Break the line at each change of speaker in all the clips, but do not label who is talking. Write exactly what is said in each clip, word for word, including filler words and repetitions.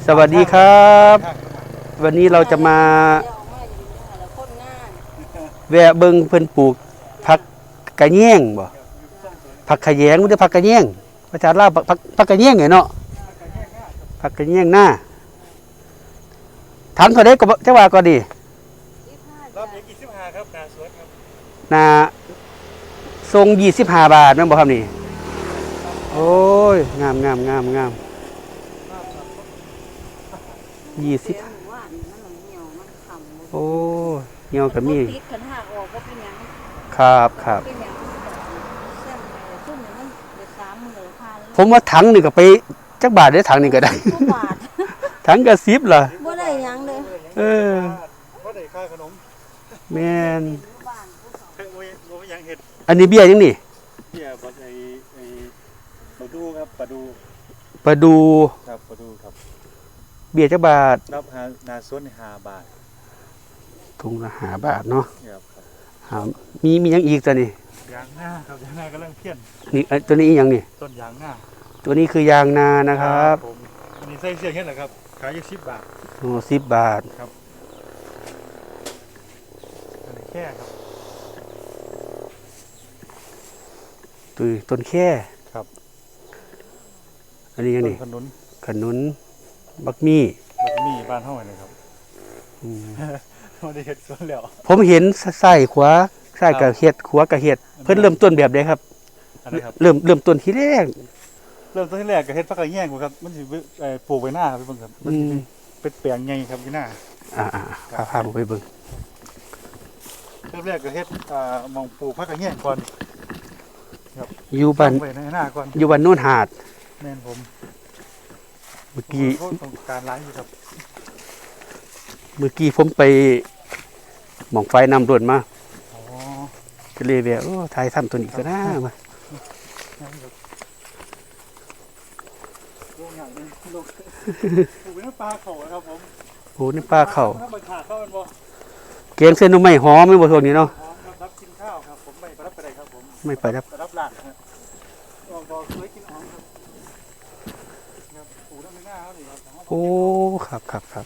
สวัสดีครับวันนี้เราจะมาแวะเบิงเพิ่นปลูกผักกระแยงบ่ผักขะแยงหรือผักกระแยงภาษาลาวผักผักกระแยงไงเนาะผักกระแยงหน้าถังเท่าใดก็จักว่าก็ดี
รับอีกยี่สิบห้าครับนาสวนครับ
นาทรงยี่สิบห้าบาทแม่นบ่ครับนี่โอ้ยงามงามงามงามยี่สิบโอ้เหี่ยวก็มีครับครับผมว่าถังนี่ก็ไปจักบาทได้ถังนี่ก็ได้ถังก็สิบล่ะ
บ่ได้หยังเลย
เออ
บ่ได้ค่าขนม
แม่น
เพิ่นบ่บ่ยังเฮ็ด
อันนี้เบี้ยยังนี่
เบี้ยบ่ไอ้ไอ้ปลาดูครับปลาดู
ปลาดู
ครับปลาดูครับ
เบี้ยจักบาท
รับหานาสวนนี่ห้าบาท
ถุงละห้าบาทเนาะ
ครับ
ครับมีมีหยังอีกตัวนี้
ยางนาครับยางนากํลังเพี้ยน
นี่ตัวนี้อีหยังนี่
ต้นยางนา
ตัวนี้คือยางนานะครับ
ผมอันนี้ใส่เสื้อเฮ็ดเหรอครับขายอยู่สิบบาท
โอ้สิบบาท
ครับอันนี้แค่ครับ
ตัวต้นแค่
ครับ
อันนี้ยังนี่
ขนุน
ขนุนบักมี่
บักมี่บ้านเฮานี่ครับอืมบ่ได้เฮ็ดสวนแล้ว
ผมเห็นใส่ขวาใส่กับเฮ็ดขวากับเฮ็ดเพิ่นเริ่มต้นแบบใดครับ
อันนี้ครับ
เริ่มเริ่มต้นที่แรก
เริ่มต้นที่แรกก็เฮ็ดผักกระแยงครับมันสิเอ่อปลูกไว้หน้าครับพี่เบิ่งครับมันสิเป็นแปลงใหญ่ครับอยู่หน้า
อ่าๆพาพาผมไปเบิ่ง
เริ่มแรกก็เฮ็ดอ่ามองปลูกผักกระแยงก่อนครับ
อยู่บ้าน
ไว้ในหน้าก่อน
อยู่บ้านโน่นหาด
แม่นผม
เมื่อกี้
ต้องการหลายอยู่ครับ
เมื่อกี้ผมไปหม่องไฟนำรถมา
อ๋อ
ก็เลยแบบโอ้ถ่ายทำตัวนี้ก็น่ามา
โรงงานนี่โรงปลูกเป็นปลาเข่าครับผม
โอ้นี่ปลาเข่า
ถ้ามันขาดเข้ามันบ่
เกงเส้นนุ่มไม่หอมไม่บ่ทนนี้เนาะ
หอมครับรับกินข้าวครับผมไม่ไปรับไปได้ครับผม
ไม่ไปรับ
ไปรับหลานครับบ่บ่เคยกินหอมครับครับปลูกแล้วไม่น่าเฮานี่ครับ
โอ้ครับครับครับ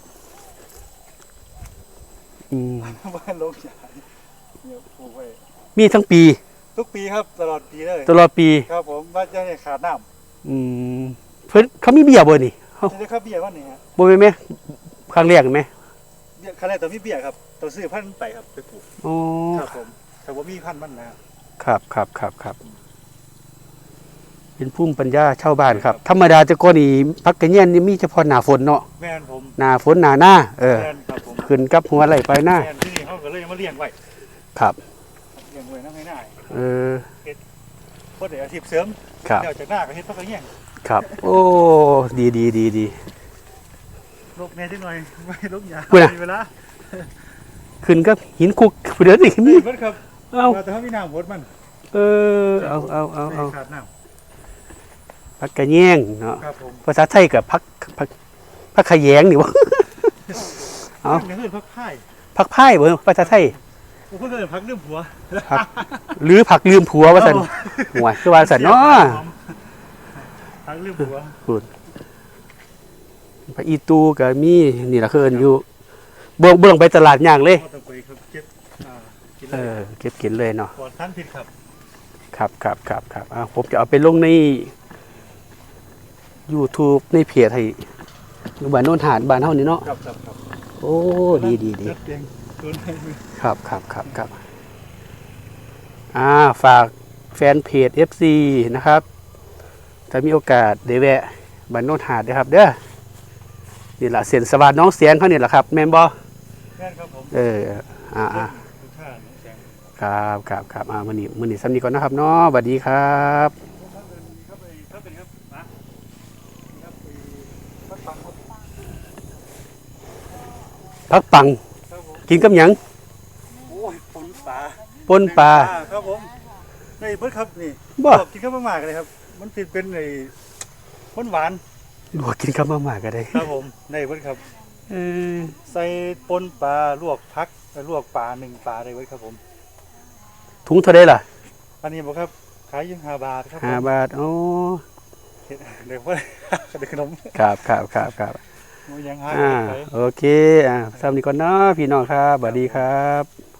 อืม
บ้านโรงใหญ่เนี่ยปลูกไว้
มีทั้งปี
ทุกปีครับตลอดปีเลย
ตลอดปี
ครับผมบ้านจะให้ขาดน้
ำอืมเพิ่นเขามีเบี้ยบ่นี่
เฮาจะครับเบี้ยว่านี่ฮะ
บ่แม่นแม่ครั้งแรกแม่
เบี้ยครั้งแรกต้องมีเบี้ยครับต้องซื้อพันธุ์ไปครับไปปลูก
อ๋อ
ครับผมแต่บ่มีพันธุ์มัน
นะครับครับครับครับเป็นภูมิปัญญาชาวบ้านครับธรรมดาแต่ก่อนนี่ผักกระแยงนี่มีเฉพาะหน้าฝนเนาะ
แม่นผม
หน้าฝนหน้าหน้าเออ
แม่นครับผม
ขึ้นกับหัวไหลไปหน้า
แม่นที่นี่เฮาก็เลยมาเลี้ยงไว้
ครับ
เลี้ยงไว้นำให้หน้า
เออ
เฮ็ดบ่ได้อาชีพเสริม
ครับ
แล้วจากหน้าก็เฮ็ดผักกระแยง
ครับโอ้ดีดีดีดี
ลกแม่จังหน่อยไม่ลกหยามีเวลา
ขึ้นกับหินคุกเดี๋ยวนี่
นี่เบิดครับเอาแต่ถ้ามีน้ำหมดมัน
เออเอาเอาเอาเอา
ขาดน้ำ
ผักกระแยงเนาะ
ครับผม
ภาษาไทยกับผักผักผักขะแยงนี่วะ
เอาเพื่อนผักไผ่
ผักไผ่เบอร์ภาษาไทย
เพื่อนผักลืมผัว
หรือผักลืมผัวว่าสันหัวคือว่าสันเนาะ
ผักลืมผัว
คุณผักอีตูกับมีนี่ละเคินอยู่เบื้องเบื้องไปตลาดย่างเลยเออเก็บกินเลยเนาะ
ก่อนท่านผิดครับ
ครับครับครับครับอ่าผมจะเอาไปลงใน YouTube ในเพจให้อยู่บ้านโน่นหาดบ้านเฮานี่เนาะ
ครับครับครับ
โอ้ดีดีดีครับครับครับครับอ่าฝากแฟนเพจ เอฟ ซี นะครับถ้ามีโอกาสได้แวะบ้านโน่นหาดนะครับเด้อนี่แหละเสียนสวัสดิ์น้องเสียงเขาเนี่ยแหละครับแม่นบ่
แม่นครับผม
เอออ่าอ่าครับครับครับอ่ามื้อนี้มื้อนี้ซ้ำนี้ก่อนนะครับเนาะสวัสดีครับพักปังกินกับหยัง
โอ้ยปนปลา
ปนปลา
ครับผมในเบิดครับนี่
บ่
กินข้าวมากเลยครับมันติดเป็นไอ้ข้นหวาน
ลวกกินข้าวมากก็ได้
ครับผมในเบิดครับ
เออ
ใส่ปนปลาลวกพักลวกปลาหนึ่งปลาได้เบิดครับผม
ถุงเท่าไรล่ะ
อันนี้บอกครับขายอยู่ห้าบาทครับ
ห้าบาทโอ้
แค่เดี๋ยวเพื่อนเด็กขนม
ครับครับครับครับ
มันยังหา
อ่า
ไป
โอเคอ่าสำหรับนี้ก่อนเนาะพี่น้องครับสวัสดีครับ